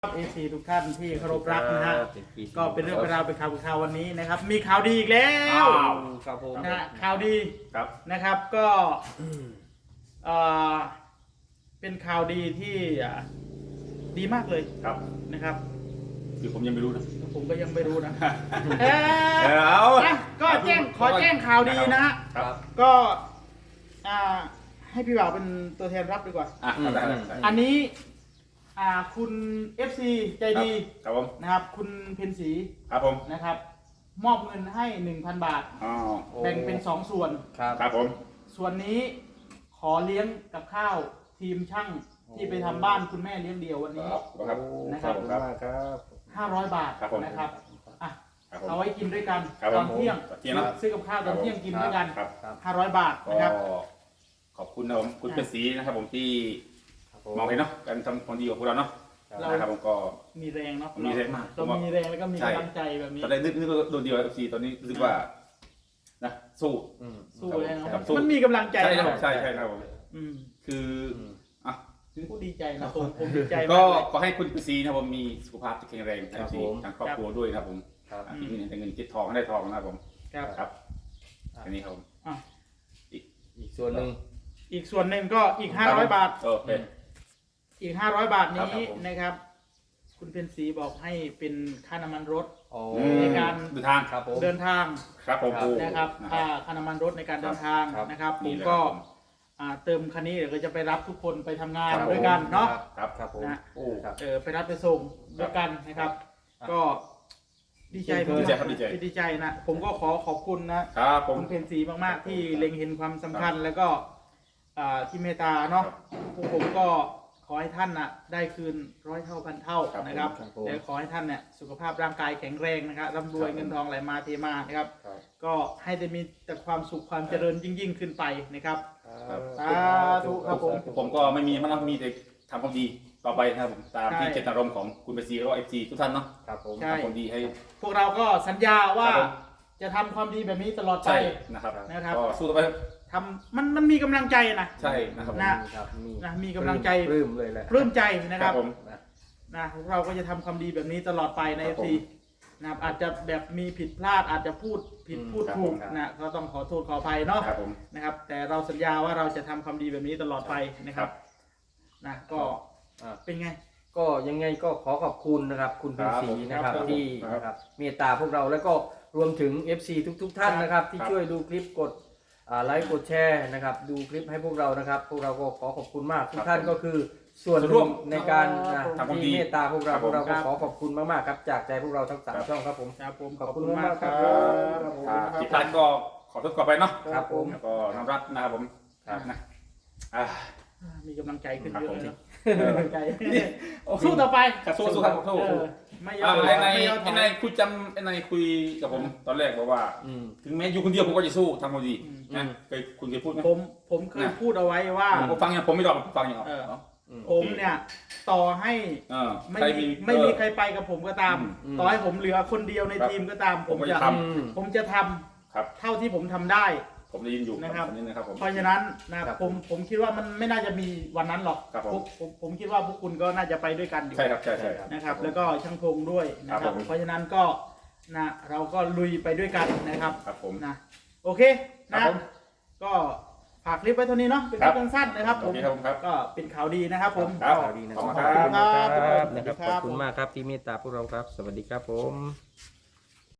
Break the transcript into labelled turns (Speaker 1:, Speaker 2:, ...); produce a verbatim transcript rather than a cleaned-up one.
Speaker 1: เอซีทุกท่านที่เคารพรักนะฮะก็เป็นเรื่องเป็นราวเป็นข่าวเป็นข่าววันนี้นะครับมีข่าวดีอีกแล้ว
Speaker 2: ครับผม
Speaker 1: นะข่าวดีนะครับก็เป็นข่าวดีที่ดีมากเลย
Speaker 3: ครับ
Speaker 1: นะครับ
Speaker 3: คือผมยังไม่รู้นะ
Speaker 1: ผมก็ยังไม่รู้นะเออก็แจ้งขอแจ้งข่าวดีนะฮะก็ให้พี่บ่าวเป็นตัวแทนรับดีกว่าอันนี้คุณ เอฟ ซี ใจดีนะครับคุณเพนสี
Speaker 3: ครับผม
Speaker 1: นะครับมอบเงินให้ หนึ่งพัน บาทแบ่งเป็นสองส่วน
Speaker 3: ครับผม
Speaker 1: ส่วนนี้ขอเลี้ยงกับข้าวทีมช่างที่ไปทำบ้านคุณแม่เลี้ยงเดี่ยววันนี้นะครับห้าร้อยบาทนะครับอ่ะเอาไว้กินด้วยกันตอนเที่ยงซื้อกับข้าวตอนเที่ยงกินด้วยกันห้าร้อยบาทนะครับ
Speaker 3: ขอบคุณนะผมคุณเพนสีนะครับผมที่มองเห็นเนาะการทำความดีของพวกเราเนาะนะครับผมก็
Speaker 1: มีแรงเนาะ
Speaker 3: มีแรงมาก
Speaker 1: เรามีแรงแล้วก็มีกำลังใจแบบนี้
Speaker 3: ตอนแรกนึกนึกโดนเดียวเอฟซีตอนนี้รู้สึกว่านะสู้
Speaker 1: สู้เลยนะมันมีกำลังใจ
Speaker 3: ใช่ใช่ใช่ครับผมคืออ่ะ
Speaker 1: ผู้ดีใจนะผมผมดีใจ
Speaker 3: ก็ขอให้คุณพีซีนะผมมีสุขภาพที่แข็งแรงทั้งทีทางครอบครัวด้วยนะครับผมที่มีแต่เงินคิดทองได้ทองนะครับผมครับอันนี้ครับ
Speaker 2: อีกอีกส่วนหนึ่ง
Speaker 1: อีกส่วนหนึ่งก็อีกห้าร้อยบาท
Speaker 3: โอเค
Speaker 1: อีกห้าร้อยบาทนี้นะครับคุณเพนสีบอกให้เป็นค่าน้ำมันรถในการ
Speaker 3: เดินทางครับผม
Speaker 1: เดินทาง
Speaker 3: ครับผม
Speaker 1: นะครับค่าค่าน้ำมันรถในการเดินทางนะครับผมก็เติมคันนี้เดี๋ยวก็จะไปรับทุกคนไปทำงานด้วยกันเนาะ
Speaker 3: ครับครับผม
Speaker 1: นะเออไปรับไปส่งด้วยกันนะครับก็ดีใจดีใจครับดีใจดีใจนะผมก็ขอขอบคุณนะครับคุณเพนสีมากๆที่เล็งเห็นความสำคัญแล้วก็ที่เมตตาเนาะพวกผมก็ขอให้ท่านน่ะได้คืนร้อยเท่าพันเท่านะครับและขอให้ท่านเนี่ยสุขภาพร่างกายแข็งแรงนะครับร่ำรวยเงินทองไหลมาเทมานะครับก็ให้ได้มีแต่ความสุขความเจริญยิ่งยิ่งขึ้นไปนะครับสาธุครับผม
Speaker 3: ผมก็ไม่มีมันมีแต่ทำความดีต่อไปนะครับผมตามที่เจตนารมณ์ของคุณเบซีแล้วก็เอฟซีทุกท่านเนาะ
Speaker 1: ครับผม
Speaker 3: ทำความดีให้
Speaker 1: พวกเราก็สัญญาว่าจะทำความดีแบบนี้ตลอดไป
Speaker 3: นะครับ
Speaker 1: นะครับ
Speaker 3: ก็สู้ต่อไป
Speaker 1: ทำมันมันมีกำลังใจนะ
Speaker 3: ใช่นะครับ
Speaker 1: นะนะมีกำลังใจ
Speaker 2: ปลื้มเลยแหละ
Speaker 1: ปลื้มใจนะครับนะพวกเราก็จะทำความดีแบบนี้ตลอดไปในเอฟซีนะครับอาจจะแบบมีผิดพลาดอาจจะพูดผิดพูดถูกนะก็ต้องขอโทษขออภัยเนาะนะครับแต่เราสัญญาว่าเราจะทำความดีแบบนี้ตลอดไปนะครับนะก็เป็นไง
Speaker 2: ก็ยังไงก็ขอขอบคุณนะครับคุณเป็นศรีนะครับที่นะครับเมตตาพวกเราแล้วก็รวมถึง เอฟ ซี ทุกๆท่านนะครับที่ช่วยดูคลิปกดไลค์กดแชร์นะครับดูคลิปให้พวกเรานะครับพวกเราก็ขอขอบคุณมากทุกท่านก็คือส่วนร่วมในการที่เมตตาพวกเราพวกเราก็ขอขอบคุณมากๆครับจากใจพวกเราทั้งสามช่องครับผม
Speaker 1: ครับผมขอบคุณมากครับ
Speaker 3: ที่ท่านก็ขอโทษก่อนไปเนาะ
Speaker 1: ครับผม
Speaker 3: แล้วก็น้ำรักนะครับผมนะ
Speaker 1: มีกำลังใจขึ้นเยอะเลยกำลังใจสู้ต่อไป
Speaker 3: สู้สู้ครับสู้ไม่ยอมไอ้ในไอ้ในคุยจำไอ้ในคุยกับผมตอนแรกบอกว่าถึงแม้อยู่คนเดียวผมก็จะสู้ทำความดีนะเคยคุณเคยพูดไหม
Speaker 1: ผมผมเคยพูดเอาไว้ว่า
Speaker 3: ผมฟังอย่างผมไม่ยอมฟังอย่าง
Speaker 1: ผมเนี่ยต่อให้ไม่มีไม่มีใครไปกับผมก็ตามต่อให้ผมเหลือคนเดียวในทีมก็ตามผมจะผมจะทำเท่าที่ผมทำได้
Speaker 3: ผมได้ยินอยู่
Speaker 1: นะครับ
Speaker 3: นะครับ
Speaker 1: เพราะฉะนั้นนะผมผมคิดว่ามันไม่น่าจะมีวันนั้นหรอกผมผมคิดว่าพวกคุณก็น่าจะไปด้วยกันอยู่
Speaker 3: ใช่ครับใช่ใช่
Speaker 1: นะครับแล้วก็ช่างพงด้วยนะครับเพราะฉะนั้นก็นะเราก็ลุยไปด้วยกันนะครับ
Speaker 3: ครับผม
Speaker 1: นะโอเคนะก็ฝากคลิปไว้เท่านี้เนาะเป็นคลิปสั้นๆนะครับผมก็เป็นข่าวดีนะครับผม
Speaker 2: ข่าวดีนะครับขอบคุณมากครับขอบคุณมากครับที่เมตตาพวกเราครับสวัสดีครับผม